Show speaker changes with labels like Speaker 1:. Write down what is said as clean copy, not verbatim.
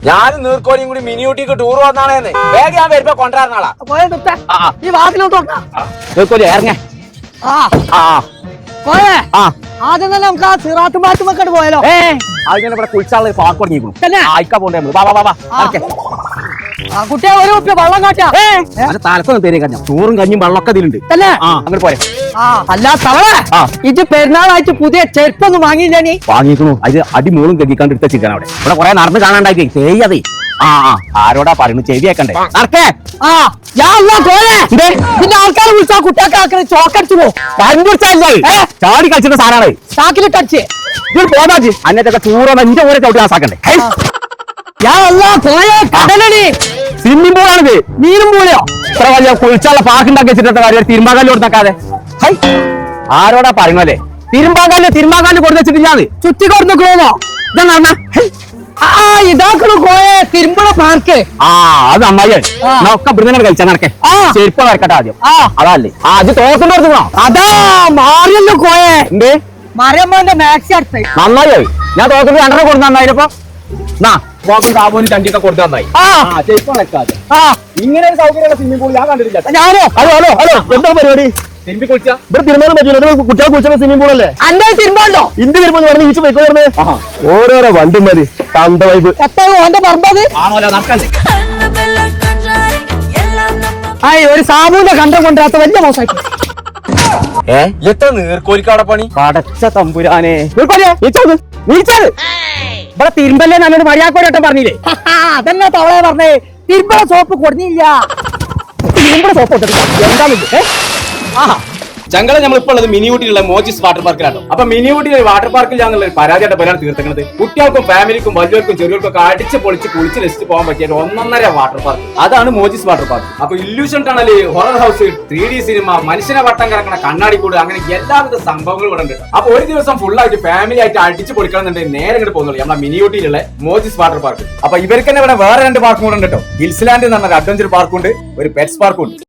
Speaker 1: ഞാനും നീർക്കോലിയും കൂടി മിനിയൂട്ടിക്ക് ടൂർ വന്നാണേന്ന് വേഗം ഞാൻ വരുമ്പോ കൊണ്ടുവരുന്നാളാ.
Speaker 2: ഈ വാതിലോട്ട്
Speaker 1: നീർക്കോലി ഇറങ്ങ.
Speaker 2: പോയേ ആദ്യം തന്നെ നമുക്ക് ആ സിറാത്ത് മാറ്റുമ്പോ പോയാലോ?
Speaker 1: അതിനെ ഇവിടെ കുളിച്ചാളെ പാർക്ക് തുടങ്ങിയിരിക്കുന്നു. ആയിക്കാ പോണ്ടേ
Speaker 2: കുട്ടിയെ ഒരു കുപ്പി വെള്ളം കാട്ടാ
Speaker 1: തലക്കൊന്നും പേര് കഴിഞ്ഞ ചോറും കഞ്ഞും വെള്ളമൊക്കെ ഇതിലുണ്ട്. അങ്ങനെ പോരെ.
Speaker 2: അല്ല തവളെ ഇത് പെരുന്നാളായിട്ട് പുതിയ ചെരുപ്പൊന്നും വാങ്ങിയില്ല നീ?
Speaker 1: വാങ്ങിക്കുന്നു. അത് അടിമൂളും കെട്ടിക്കാണ്ട് എടുത്ത ചിക്കൻ അവിടെ ഇവിടെ കുറെ നടന്ന് കാണാണ്ടായി ചെയ്യതേ. ആരോടാ പറയുന്നു ചെവിയേക്കണ്ടേ നടക്കേ.
Speaker 2: പിന്നെ ആൾക്കാരെ വിളിച്ചാ കുട്ടിയൊക്കെ ചോക്കടിച്ചു പോകും.
Speaker 1: ചാടി കളിച്ചിട്ട് സാധനമാണ്
Speaker 2: ചാക്കിലിട്ടടിച്ച്
Speaker 1: പോകാജി അന്നത്തൊക്കെ ചൂറോ എന്റെ പോലെ ചവിട്ടി ആസാക്കണ്ടേ.
Speaker 2: കടലടി
Speaker 1: സ്വിമ്മിംഗ് പൂളാണിത്.
Speaker 2: നീരും പൂളിയോ
Speaker 1: ഇത്ര വലിയ കുളിച്ചുള്ള പാർക്ക് ഉണ്ടാക്കി വെച്ചിട്ട് കാര്യം തിരുമ്പാകാലിൽ കൊടുത്താക്കാതെ. ആരോടാ പറയുന്നല്ലേ തിരുമ്പാകാലിൽ കൊടുത്ത് വെച്ചിട്ടില്ലാതെ
Speaker 2: ചുറ്റി കൊടുത്തു ക്ലോമോ ഇതാക്കണ കോയെ തിരുമ്പണ പാർക്ക്.
Speaker 1: അത് അമ്മായി ഒക്കെ ഇവിടുന്ന് കളിച്ചാൽ നടക്കേ. ചെരുപ്പ് വരക്കട്ടെ ആദ്യം. അതല്ലേ അത് തോക്കുന്ന കൊടുക്കണോ?
Speaker 2: അതാ മാറിയല്ലോ കോയെ.
Speaker 1: എന്തേ
Speaker 2: മറിയമ്മന്റെ മാക്സി അടുത്ത്
Speaker 1: നന്നായി. ഞാൻ തോക്കുന്ന 2 കൊടുത്ത് നന്നായിപ്പോ പോക്കും കാബോനും ചണ്ടിയൊക്കെ കൊടുത്ത് നന്നായി. ഇങ്ങനെ ഒരു സൗകര്യമുള്ള സ്വിമ്മിംഗ് പൂൾ ഞാൻ കണ്ടിട്ടില്ല.
Speaker 2: ഞാനോ
Speaker 1: ഹലോ ഹലോ ഹലോ എന്താ പരിപാടി? തിരുമ്പി കുളിച്ചാ ഇവിടെ തിരുമാനും പറ്റില്ല. കുട്ടികളെ കുളിച്ച സ്വിമ്മിംഗ് പൂൾ അല്ലേ?
Speaker 2: അന്റെ തിരുമ്പോ
Speaker 1: ഇന്ത്യ തിരുമ്പോ പറഞ്ഞ് ഈച്ച് പോയിക്കോ. ഓരോരോ വണ്ടും മതി തണ്ട വൈബ്.
Speaker 2: എത്രയോ ഓന്റെ പറമ്പത് ഒരു സാബുവിന്റെ കണ്ടം കൊണ്ടുവരാത്ത വലിയ മോശമായിട്ട്.
Speaker 1: എത്ര നീർക്കോലിക്കവിടെ പണി പടച്ച തമ്പുരാനെ. ഇവിടെ തിരുമ്പല്ലേ നല്ലൊരു മര്യാദക്കോരട്ടം പറഞ്ഞില്ലേ?
Speaker 2: അതന്നെ തവളെ പറഞ്ഞേ. തിരുമ്പള സോപ്പ് കൊടുന്നില്ല.
Speaker 1: തിരുമ്പള സോപ്പ് എന്താ ഞങ്ങളെ നമ്മളിപ്പോൾ ഉള്ളത് മിനിയൂട്ടിയിലുള്ള മോജിസ് വാട്ടർ പാർക്കിലാണ്. അപ്പൊ മിനിയൂട്ടിയിലെ വാട്ടർ പാർക്കിൽ ഞങ്ങൾ പരാജയത്തെ പേരാണ് തീർക്കുന്നത്. കുട്ടികൾക്കും ഫാമിലിക്കും വലിയവർക്കും ചെറിയവർക്കും ഒക്കെ അടിച്ച് പൊളിച്ച് കുളിച്ച് രസിച്ച് പോകാൻ പറ്റിയ 1.5 വാട്ടർ പാർക്ക്. അതാണ് മോജിസ് വാട്ടർ പാർക്ക്. അപ്പൊ illusion tunnel, horror house, 3D cinema, മനുഷ്യനെ വട്ടം കിടക്കുന്ന കണ്ണാടിക്കൂട്, അങ്ങനെ എല്ലാവിധ സംഭവങ്ങളും ഇവിടെ ഉണ്ട്. അപ്പൊ ഒരു ദിവസം ഫുൾ ആയിട്ട് ഫാമിലി ആയിട്ട് അടിച്ച് പൊളിക്കണമെന്നുണ്ടെങ്കിൽ നേരെ ഇങ്ങോട്ട് പോകുന്നുള്ളൂ നമ്മളെ മിനിയൂട്ടിയിലുള്ള മോജിസ് വാട്ടർ പാർക്ക്. അപ്പൊ ഇവർക്ക് തന്നെ ഇവിടെ വേറെ 2 പാർക്കും കൂടെ ഉണ്ട് കേട്ടോ. ഹിൽസ്ലാൻഡ് എന്ന് പറഞ്ഞ അഡ്വഞ്ചർ പാർക്കുണ്ട്, ഒരു പെറ്റ്സ് പാർക്കും ഉണ്ട്.